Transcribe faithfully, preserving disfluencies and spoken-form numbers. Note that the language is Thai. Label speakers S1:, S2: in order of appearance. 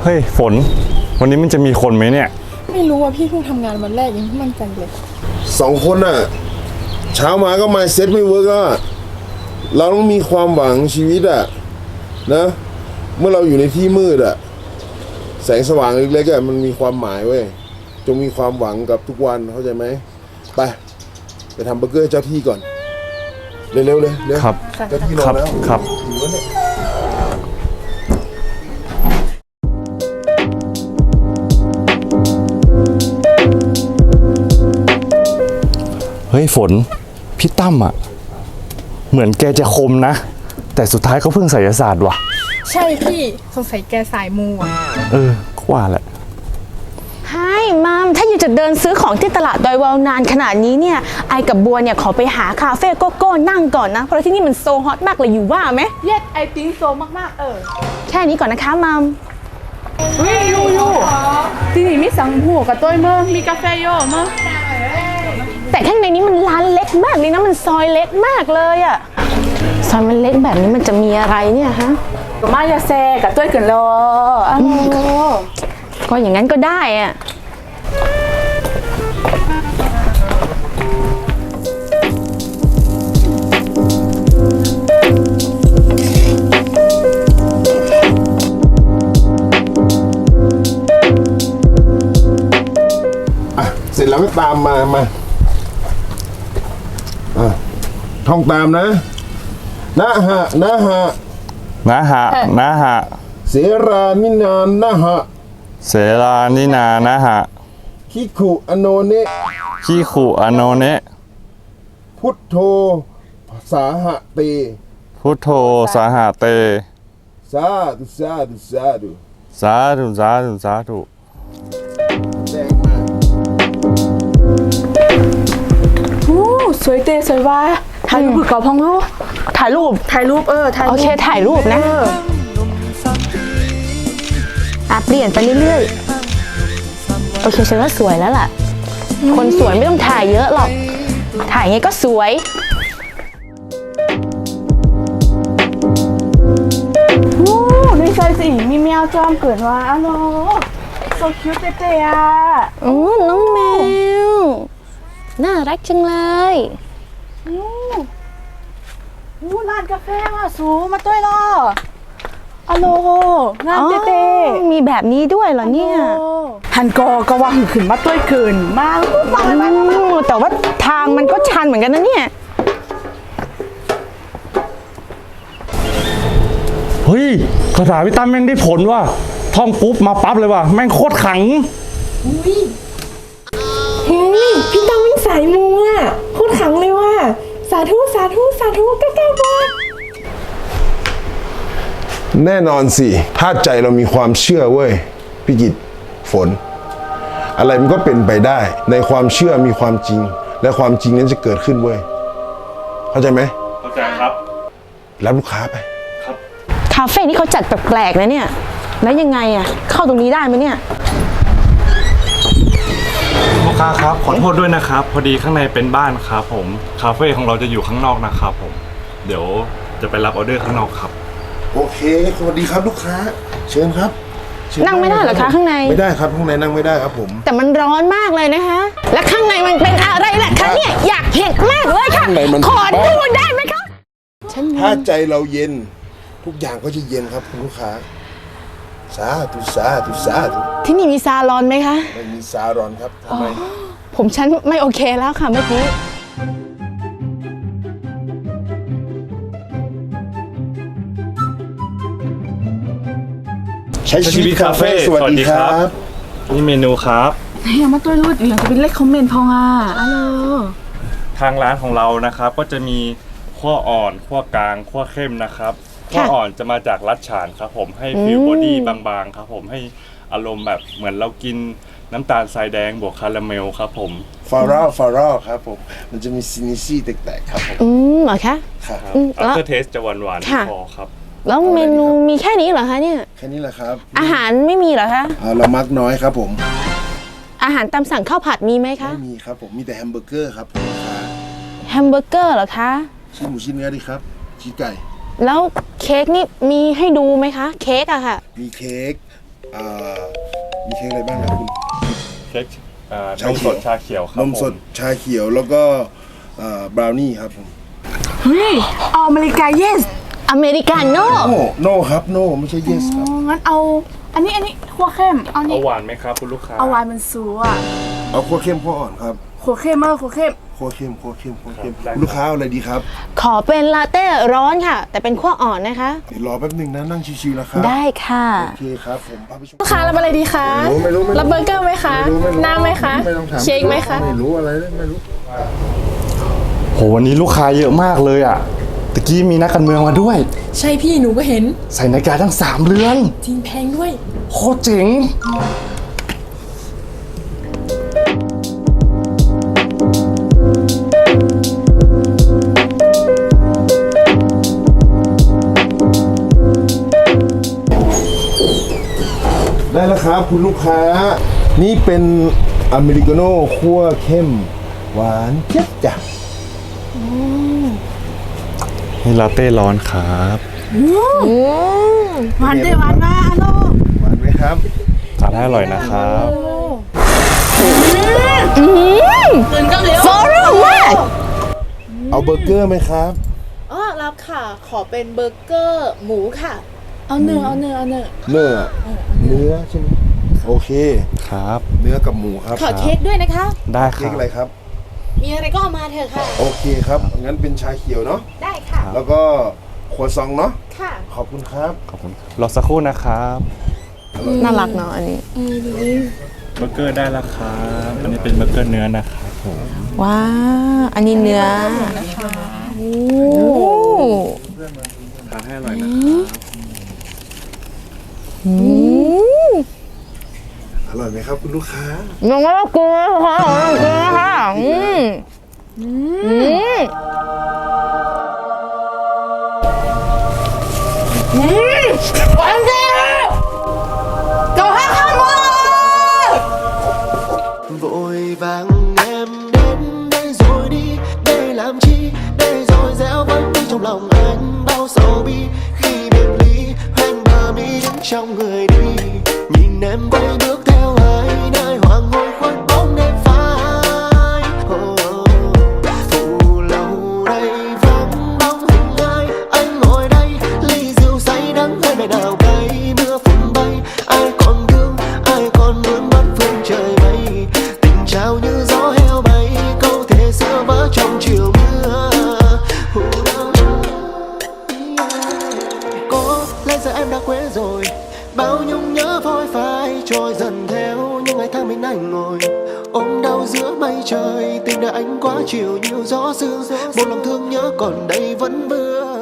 S1: เฮ้ยฝนวันนี้มันจะมีคนไหมเนี่ย
S2: ไม่รู้ว่าพี่เพิ่งทำงานวันแรกยังไม่มั่นใจเลย
S3: สองคนน่ะเช้ามาก็มาเซ็ตไม่เวิร์กแล้วเราต้องมีความหวังชีวิตอะนะเมื่อเราอยู่ในที่มืดอะแสงสว่างเล็กๆอะมันมีความหมายเว้ยจงมีความหวังกับทุกวันเข้าใจไหมไปไปทำเบอร์เกอร์เจ้าที่ก่อนเร็วๆเลยเร็ว
S1: ครับ
S3: เจ้าที่รอแล้ว
S1: ครับ
S3: หิวแล้วเนี่ย
S1: เฮ้ยฝนพี่ตั้มอะเหมือนแกจะคมนะแต่สุดท้ายก็เพิ่งไสยศาสตร์ว่ะ
S2: ใช่พี่สงสัยแกสายมูอ่ะ
S1: เออก็ว่าแหละ
S4: ไฮมัมถ้าอยู่จะเดินซื้อของที่ตลาดดอยวาวนานขนาดนี้เนี่ยไอกับบัวเนี่ยขอไปหาคาเฟ่โกโก้นั่งก่อนนะเพราะที่นี่มันโซฮอตมากเลยอยู่ว่าไหม
S2: Yes I think so มากๆเออ
S4: แค่นี้ก่อนนะคะมัม
S2: เฮ้ยยูยูที่นี่มีสังหัวกับต้วยเมื่อมีกาแฟโย่เมื่อ
S4: แต่ข้างในนี้มันร้านเล็กมากเลยนะมันซอยเล็กมากเลยอะซอยมันเล็กแบบนี้มันจะมีอะไรเนี่ยฮะ
S2: ก็มายาแซกับต้วยกันรออ้าว
S4: ก็อย่างนั้นก็ได้อะ
S3: เสร็จแล้วก็ตามมามาอ่ะท่องตามนะนะฮะนะฮะ
S1: นะฮะนะฮะ
S3: เสรานินานนะฮะ
S1: เสรานินานะฮะ
S3: คิขุอโนเนะ
S1: ขี้ขู่อโนเนะ
S3: พุทโธสาหะเต
S1: พุทโธสาหาเต
S3: สาธุสาธุสาธุ
S1: สาธุสาธุสาธุ
S3: แดงมา
S2: โอ้สวยเตสวยว่าถ่ายรูปกับพองลูก
S4: ถ่ายรูป
S2: ถ่ายรูปเออถ่าย
S4: โอเคถ่ายรูปนะอ่ะเปลี่ยนไปเรื่อยๆโอเคฉันว่าสวยแล้วล่ะคนสวยไม่ต้องถ่ายเยอะหรอกถ่ายไงก็สวย
S2: โอ้ดูใส่สิมีแมวจอมเกิดว่าอ๋อโนโซคิวเตเตอ่ะ
S4: อือน้องแมวน่ารักจังเลย
S2: โอ้โหร้านกาแฟว่ะสูมาต้วยรออะโลงานเต้
S4: ๆมีแบบนี้ด้วยเหรอเนี่ย
S2: ฮันกอก็ว่าขึ้นมาต้วยเกินมาก
S4: แต่ว่าทางมันก็ชันเหมือนกันนะเนี่ย
S1: เฮ้ยคาถาพี่ตั้มแม่งได้ผลว่ะท่องปุ๊บมาปั๊บเลยว่ะแม่งโคตรขัง
S2: เฮ้ยพี่ตั้มวิ่งสายมูอ่ะโคตรขังเลยว่ะสาธุสาธุสาธุก้าวก้าวก้าว
S3: แน่นอนสิถ้าใจเรามีความเชื่อเว้ยพี่กิตฝนอะไรมันก็เป็นไปได้ในความเชื่อมีความจริงและความจริงนั้นจะเกิดขึ้นเว้ยเข้าใจไหม
S1: เข้าใจครับ
S3: รับลูกค้าไป
S1: ครับ
S4: คาเฟ่นี่เขาจัดแปลกๆนะเนี่ยแล้วยังไงอ่ะเข้าตรงนี้ได้ไหมเนี่ย
S1: ลูกค้าครับขอโทษด้วยนะครับพอดีข้างในเป็นบ้านครับผมคาเฟ่ของเราจะอยู่ข้างนอกนะครับผมเดี๋ยวจะไปรับออเดอร์ข้างนอกครับ
S3: โอเคสวัสดีครับลูกค้าเชิญครับ
S4: นั่งไม่ได้เหรอคะข้างใน
S3: ไม่ได้ครับข้างในนั่งไม่ได้ครับผม
S4: แต่มันร้อนมากเลยนะคะและข้างในมันเป็นอะไรล่ะคะเนี่ยอยากเห็นมากเลยค่ะขอดูได้ไหมคะ
S3: ถ้าใจเราเย็นทุกอย่างก็จะเย็นครับคุณลูกค้าสาธุสาธุสาธุ
S4: ที่นี่มีซาลอนไหมคะ
S3: ไม่มีซาลอนครับทำไม
S4: ผมฉันไม่โอเคแล้วค่ะเมื่อกี้
S3: ใช้ชีวิตคาเฟ่สวัสดีครับ
S1: นี่เมนูครับ
S2: เฮ้ยมาตัวรูดอย่างจะเป็นเลขคอมเมนต์พองอ่ะฮัลโหล
S1: ทางร้านของเรานะครับก็จะมีขั้วอ่อนขั้วกลางขั้วเข้มนะครับขั้วอ่อนจะมาจากรัดฉานครับผมให้ฟิลบอดี้บางๆครับผมให้อารมณ์แบบเหมือนเรากินน้ำตาลทรายแดงบวกคาราเมลครับผม
S3: ฟาร่าฟาร่าครับผมมันจะมีซินิซี่แตกๆครับผม
S4: อืมเหรอคะ
S3: ครับ
S1: อัลเทอร์เทสจะหวานๆพอครับ
S4: แล้วเมนูมีแค่นี้เหรอคะเนี่ย
S3: แค่นี้แหละครับ
S4: อาหารไม่มีเหรอคะ
S3: เรามักน้อยครับผม
S4: อาหารตามสั่งข้าวผัดมีไหมคะ
S3: ไม่มีครับผมมีแต่แฮมเบอร์เกอร์ครับ
S4: แฮมเบอร์เกอร์เหรอคะ
S3: ชิ้นหมูชิ้นเนื้อดิครับชิ้นไก่
S4: แล้วเค้กนี่มีให้ดูไหมคะเค้กอะค่ะ
S3: มีเค้กอ่ามีเค้กอะไรบ้างนะคุณ
S1: เค้กอ่าน
S3: ชาม เขี
S1: ส
S3: ยว
S1: ดชาเขียวครับ
S3: นมสด
S1: ผ
S3: ชาเขียวแล้วก็อ่าบราวนี่ครับผม
S2: เฮ้ยเอาอเมริกาเยส
S4: อเมริกาโน่
S3: โนโนครับโนไม่ใช่ yes ครับ
S2: งั้นเอาอันนี้อันนี้ขัวเข้มเอา
S1: เอา
S2: นี่
S1: หวานไหมครับคุณลูกค้า
S2: เอาวายมันสูอ่ะ
S3: เอาขั้วเข้มขั้วอ่อนครับ
S2: ขัวเข้มเออขัวเข้ม
S3: ขั้วเข้มขั้วเข้มขั้วเข้ม
S1: ครับ
S3: ลูกค้าเอาอะไรดีครับ
S4: ขอเป็นลาเต้ร้อนค่ะ แต่เป็นขั้วอ่อนนะคะ
S3: เดี๋ยวรอแป๊บหนึ่งนะนั่งชิวๆนะครับ
S4: ได้ค่ะ
S3: โอเคครับผมพาไปชม
S5: ลูกค้ารับอะไรดีคะ
S3: ไม่รู้ไม่รู้ไม่รู้
S5: รับเบอร์เกอร์ไหมคะ
S3: ไม่รู้ไม่รู้
S5: น้ำไหมคะ
S3: ไม่ต้องถาม
S5: เค้กไหมคะ
S3: ไม่รู้อะไรเลยไม่รู้
S1: โหวันนี้ลูกค้าเยอะมากเลยอ่ะตะกี้มีนักการเมืองมาด้วย
S5: ใช่พี่หนูก็เห็น
S1: ใส่นาฬิกาทั้งสามเรือน
S5: จริงแพงด้วย
S1: โคตรเจ๋ง
S3: ได้แล้วครับคุณลูกค้า นี่เป็นอเมริกาโน่คั่วเข้ม หวานเจี๊ยบจ้ะ
S1: นี่ลาเต้ร้อนครับ
S2: หวานด้วยหวานมาฮัลโหล
S3: หวานไหมครับ
S1: ทานให้อร่อยนะครับ
S2: ตื่นก็เร็ว
S4: ฟอร์มาก
S3: เอาเบอร์เกอร์ไหมครับ
S6: อ๋อรับค่ะ ขอเป็นเบอร์เกอร์หมูค่ะ
S2: เอาเนื้อเอาเนื้อเอาเนื้อ
S3: เนื้อเนื้อใช่ไหมโอเค
S1: ครับ
S3: เนื้อกับหมูครับ
S6: ขอเค้กด้วยนะคะ
S1: ได้ค
S3: เค้
S1: รั
S3: ก
S1: บ
S3: อะไรครับ
S6: มีอะไรก็เอามาเถอะค่ะ
S3: โอเคครับ งั้นเป็นชาเขียวเนาะ
S6: ได้ค่ะ
S3: แล้วก็ครัวซองเนาะ
S6: ค่ะ
S3: ขอบคุณครับ
S1: ขอบคุณรอสักครู่นะครับ
S4: น่ารักเนาะอันนี้
S1: เบอร์เกอร์ได้แล้วครับอันนี้เป็นเบอร์เกอร์เนื้อนะครับผม
S4: ว้าวอันนี้เนื้อโอ้
S1: ทานให้อร่อยนะครับ
S4: อืม
S3: อร่อยไหมครับคุณลูกค้า
S4: ยังไม่ต้องกลัวค่ะยังไม่ต้องกลัวค่ะอืมอืมหวานจริงก็ให้ข้าวหมด
S7: vội vàng em đến đây rồi đi để làm chi để rồi dẻo vẫn đi trong lòng anh bao sầu bi khi biệt ly hoen bờ mi đứng trong người đi nhìn em quay bước theo ai nơi hoàng hôn khuất bóng đêm phai oh, oh. Phủ lâu đây vắng bóng hình ai anh ngồi đây ly rượu say đắng hơi bài nào cay mưa phùn bay ai còn thương ai còn muốn bắt phương trời bay tình trao như gió heo bay câu thề xưa vỡ trong chiều mưa có lẽ giờ em đã quên rồi bao nhung nhớ phôi phai trôi dần theo những ngày tháng mình anh ngồi ôm đau giữa mây trời tình đời anh quá chiều nhiều gió sương một lòng thương nhớ còn đây vẫn vương